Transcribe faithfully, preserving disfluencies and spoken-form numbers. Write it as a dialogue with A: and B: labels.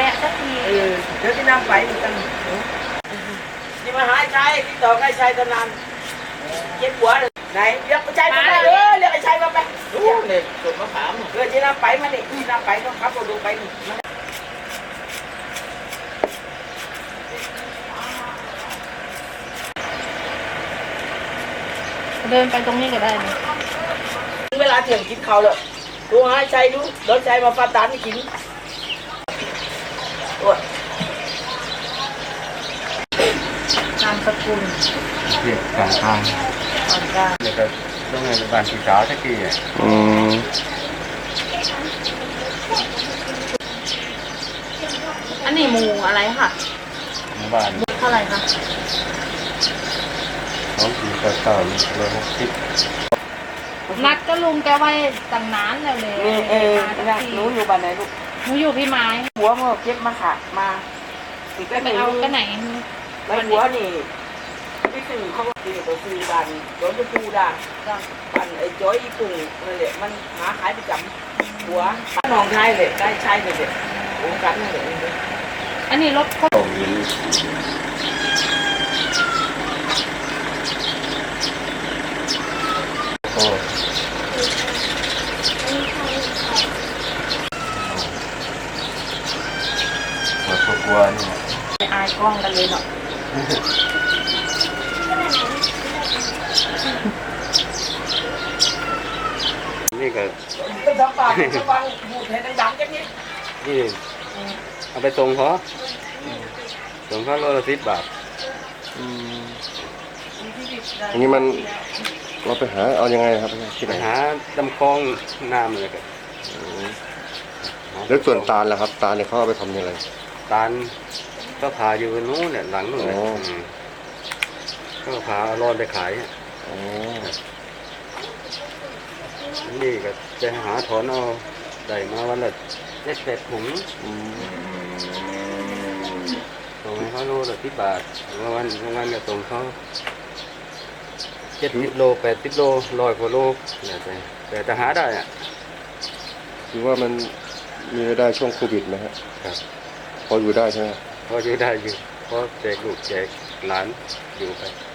A: วะสักที
B: เออเดี๋ยวที่น้ำไปเหมือนกันนี่มาหาไอ้ชายที่ต่อไอ้ชายตอนนั้นเจ็บหัวเลยไหนเรียกไอ้ชายมาเออเรียกไอ้ชายมาไปรู้เนี่ยสดมะขามเออที่น้ำไปมาดิที่น้ำไปต้องขับรถดูไปนี่
A: เดินไปตรงนี้ก็ได้นะ
B: เวลาเที่ยงกินข้าวเลยดูหาไอ้ชายดูเดินชายมาฟาดตานให้กินนามสกุล
C: เรียกกลางทาง
B: ก่อนกลาง
C: เนี่ยก็ต้องให้บ้านพี่สาวสักทีอ่ะ
D: อืม
A: อันนี้หมูอะไรค่ะ
C: หมู่บ้าน
A: เท่าไหร่คะ
C: สองสี่เก้าเก้าร้อยหกสิบ
A: นัดก็ลุงแกไว้ตั้งนานแล้วเลย
B: เออเออหนูอยู่บ้านไหนลูก
A: หนูอยู่พี่ไม้
B: หัวเมื่อเก็บมาขาดมาติดก็
A: ไปเอาก็ไหน
B: แล้วหัวนี่พี่สื่อเขาตีตัวซื้อบ้านโดนจะปูด่างบ้านไอ้จ้อยอีกุ้งนั่นแหละมันหาขายประจำหัวน้องชายเลยได้ชายเลยเด็กโอ้กันนั่นแหละ
A: อันนี้รถเขา
C: ตรงนี้โอ้หัวตัวกลัวนี่
A: อายกล้องกันเลยเนาะ
C: นี่ก็
B: ต้องทำปากต้องฟังพูดให้ดังๆจังนี้
C: นี่เอาไปส่งเขาส่งเขาโลละสิบบาท
D: อันนี้มันเราไปหาเอายังไงครับที่ไหน
C: หาลำคลองน้ำเลยกัน
D: แล้วส่วนตาลล่ะครับตาลเนี่ยเขาเอาไปทำยังไง
C: ตาลก็พาอยู่นู้นเนี่ยหลังนู้นเลยก็พาเอารอดไปขายนี่ก็จะหาถอนเอาได้มาวันละเจ็ดแปดถุงส่งให้เขาโลละสิบบาทวันวันก็ส่งเขาเจ็ดสิบโลแปดสิบโลร้อยกว่าโลเนี่ยแต่แต่จะหาได้อ่ะ
D: คือว่ามันมีรายได้ช่วงโควิดไหมฮะ
C: ครับ
D: พออยู่ได้ใช่ไหม
C: พออยู่ได้อยู่พอแจกลูกแจกหลานอยู่ไป